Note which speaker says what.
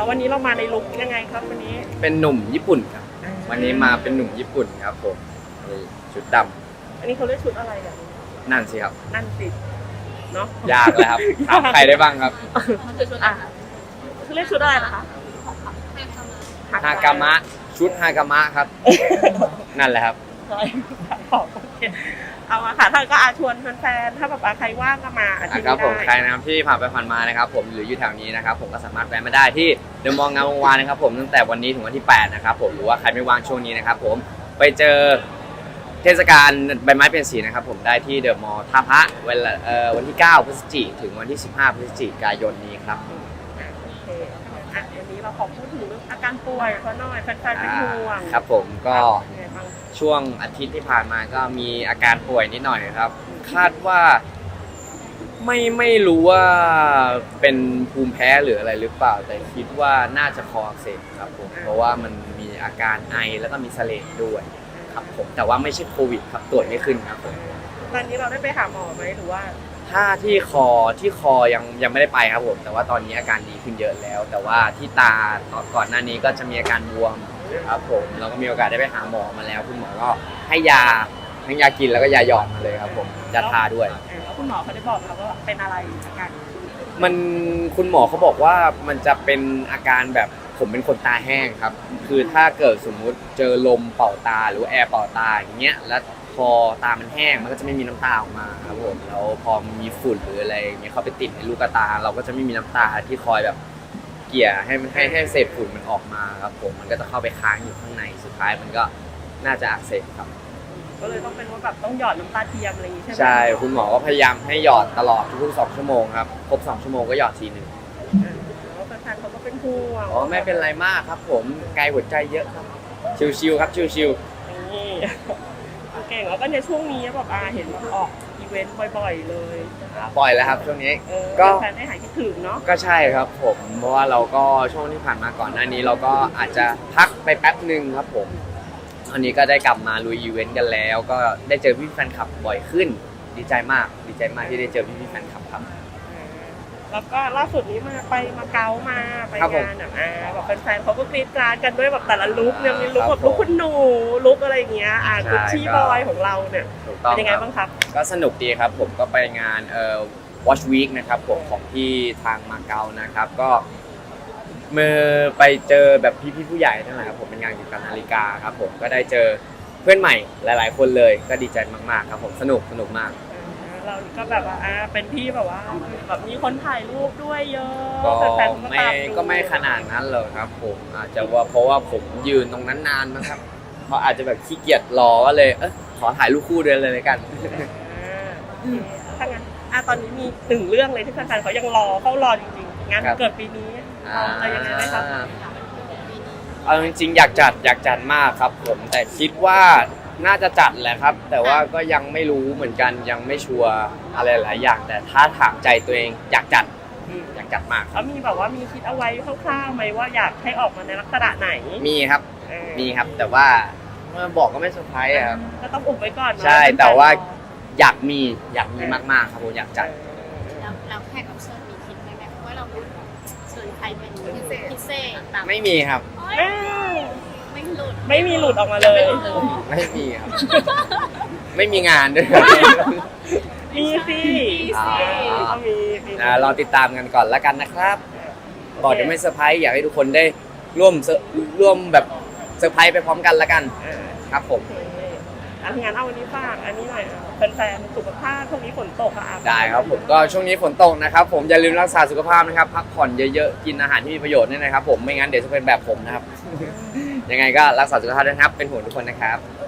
Speaker 1: แล้ววันนี้เรามาในลุคยังไงครับวันนี้
Speaker 2: เป็นหนุ่มญี่ปุ่นครับวันนี้มาเป็นหนุ่มญี่ปุ่นครับผมนี่ชุดดำ
Speaker 1: อันนี้เขาเรียกชุดอะไรอ่ะ
Speaker 2: นั่นสิครับ
Speaker 1: นั่นสิเนาะ
Speaker 2: ยากเลยครับถามใครได้บ้างครับ
Speaker 1: มันคือชุดอ่ะคือเรียกชุดอะไรนะคะ
Speaker 2: ฮากามะชุดฮากามะครับนั่นแหละครับ
Speaker 1: ใช่โอเคเอามาค่ะท่านก็ชวนแฟนๆถ้าแบบใครว่างก็มาที่นี่ได้
Speaker 2: ครับผมใครนะครับที่ผ่านไปผ่านมานะครับผมหรืออยู่แถวนี้นะครับผมก็สามารถแวะมาได้ที่เดอะมอลล์งามวงวานนะครับผมตั้งแต่วันนี้ถึงวันที่8นะครับผมหรือว่าใครไม่ว่างช่วงนี้นะครับผมไปเจอเทศกาลใบไม้เปลี่ยนสีนะครับผมได้ที่เดอะมอลล์ท่าพระวันที่9พฤศจิกายนถึงวันที่15พฤศจิกายนนี้ครับ
Speaker 1: โอเควันนี้เราขอพูดถึงเรื่องอาการป่วยเขาหน่อยแฟนๆเป็นห่วง
Speaker 2: ครับผมก็ช่วงอาทิตย์ที่ผ่านมาก็มีอาการป่วยนิดหน่อยครับคาดว่าไม่รู้ว่าเป็นภูมิแพ้หรืออะไรหรือเปล่าแต่คิดว่าน่าจะคออักเสบครับผมเพราะว่ามันมีอาการไอแล้วก็มีเสลดด้วยครับผมแต่ว่าไม่ใช่โควิดครับตรวจไม่ขึ้นครับผม
Speaker 1: ตอนนี้เราได้ไปหาหมอไหมหรือว่า
Speaker 2: ถ้าที่คอยังไม่ได้ไปครับผมแต่ว่าตอนนี้อาการดีขึ้นเยอะแล้วแต่ว่าที่ตาก่อนหน้านี้ก็จะมีอาการบวมครับผมเราก็มีโอกาสได้ไปหาหมอมาแล้วคุณหมอก็ให้ยาทั้งยากินแล้วก็ยาหยอดมาเลยครับผมยาทาด้วย
Speaker 1: แล้วคุณหมอเขาได้บอกเราว่าเป็นอะไรอาการ
Speaker 2: คุณหมอเขาบอกว่ามันจะเป็นอาการแบบผมเป็นคนตาแห้งครับคือถ้าเกิดสมมุติเจอลมเป่าตาหรือแอร์เป่าตาอย่างเงี้ยแล้วพอตามันแห้งมันก็จะไม่มีน้ำตาออกมาครับผมแล้วพอมีฝุ่นหรืออะไรอย่างเงี้ยเขาไปติดในลูกตาเราก็จะไม่มีน้ำตาที่คอยแบบเกี่ยให้เศษฝุ่นมันออกมาครับผมมันก็จะเข้าไปค้างอยู่ข้างในสุดท้ายมันก็น่าจะอักเสบครับ
Speaker 1: ก็เลยต้องเป็นว่าแบบต้องหยอดน้ำตาเทียมอะไรอย่างงี้ใช่ไหม
Speaker 2: ใช่คุณหมอก็พยายามให้หยอดตลอดทุกๆ2 ชั่วโมงครับครบ2 ชั่วโมงก็หยอดทีนึง
Speaker 1: แล้วแฟนๆเขาก็เป็นห่วง
Speaker 2: อ๋อไม่เป็นไรมากครับผมไกลหัวใจเยอะครับชิวๆครับชิว
Speaker 1: ๆนี่เก่งแล้วก็ในช่วงนี้แบบเห็นออกอีเวนต์บ่อยๆเลย
Speaker 2: บ่อยแล้วครับช่วงนี้
Speaker 1: ก็แฟนได้หายคิดถึงเนาะ
Speaker 2: ก็ใช่ครับผมเพราะว่าเราก็ช่วงที่ผ่านมาก่อนหน้านี้เราก็อาจจะพักไปแป๊บนึงครับผมอันนี้ก็ได้กลับมาลุยอีเวนต์กันแล้วก็ได้เจอพี่แฟนคลับบ่อยขึ้นดีใจมากที่ได้เจอพี่แฟนคลับครับ
Speaker 1: แล้วก็ล่าสุดนี้มาเก๊ามาไปงานแบบแฟนๆเขาก็กรี๊ดกราดกันด้วยแบบแต่ละลุคเนี่ยมีลุคแบบลุคคุณหนูลุคอะไรอย่างเงี้ยกุชชี่บอยของเราเนี่ยเป็นยังไงบ้างครับ
Speaker 2: ก็สนุกดีครับผมก็ไปงานWatch Week นะครับผมของที่ทางมาเก๊านะครับก็เมื่อไปเจอแบบพี่ผู้ใหญ่ทั้งหลายครับผมเป็นงานเกี่ยวกับนาฬิกาครับผมก็ได้เจอเพื่อนใหม่หลายๆคนเลยก็ดีใจมากๆครับผมสนุกมาก
Speaker 1: เราก็แบบว่าเป็นที่แบบว่าแบบมีคนถ่ายรูปด้วยเยอะ
Speaker 2: ก็ไม่ขนาดนั้นเลยครับผมอาจจะว่าเพราะว่าผมยืนตรงนั้นนานนะครับเขาอาจจะแบบขี้เกียจรอก็เลยขอถ่ายรูปคู่ด้วยเลยกัน
Speaker 1: ถ้างั้นตอนนี้มี1เรื่องเลยที่แฟนๆเขายังเขารอจริงๆงานเกิดปีนี้อะไรยังไงไหมครับ
Speaker 2: เอาจริงๆอยากจัดมากครับผมแต่คิดว่าน่าจะจัดแหละครับแต่ว่าก็ยังไม่รู้เหมือนกันยังไม่ชัวร์อะไรหลายอย่างแต่ถ้าถามใจตัวเองอยากจัดมาก
Speaker 1: แล้วมีแบบว่ามีคิดเอาไว้คร่าวๆไหมว่าอยากให้ออกมาในลักษณะไหน
Speaker 2: มีครับแต่ว่าเมื่อบอกก็ไม่เซอร์ไพรส์ครับ
Speaker 1: ก็ต้องอุบไว้ก่อน
Speaker 2: ใช่แต่ว่าอยากมีมากๆครับผมอยากจัด
Speaker 3: แล้วแขกรับเชิญมีคิดไหมว่าเราเชิญใครเป็นพิเศษแบบ
Speaker 2: ไม่มีครับ
Speaker 1: ไม่มีหลุดออกมาเลย
Speaker 2: ไม่มีครับไม่มีงานด้วย
Speaker 1: มีสิ
Speaker 2: รอติดตามกันก่อนแล้วกันนะครับบอกจะไม่เซอร์ไพรส์อยากให้ทุกคนได้ร่วมแบบเซอร์ไพรส์ไปพร้อมกันแล้วกันครับผม
Speaker 1: งานวันนี้ฝากอันนี้หน่อยแฟนๆสุขภาพช่วงนี้ฝนตก
Speaker 2: ได้ครับผมก็ช่วงนี้ฝนตกนะครับผมอย่าลืมรักษาสุขภาพนะครับพักผ่อนเยอะๆกินอาหารที่มีประโยชน์ด้วยนะครับผมไม่งั้นเดี๋ยวจะเป็นแบบผมนะครับยังไงก็รักษาสุขภาพด้วยครับเป็นห่วงทุกคนนะครับ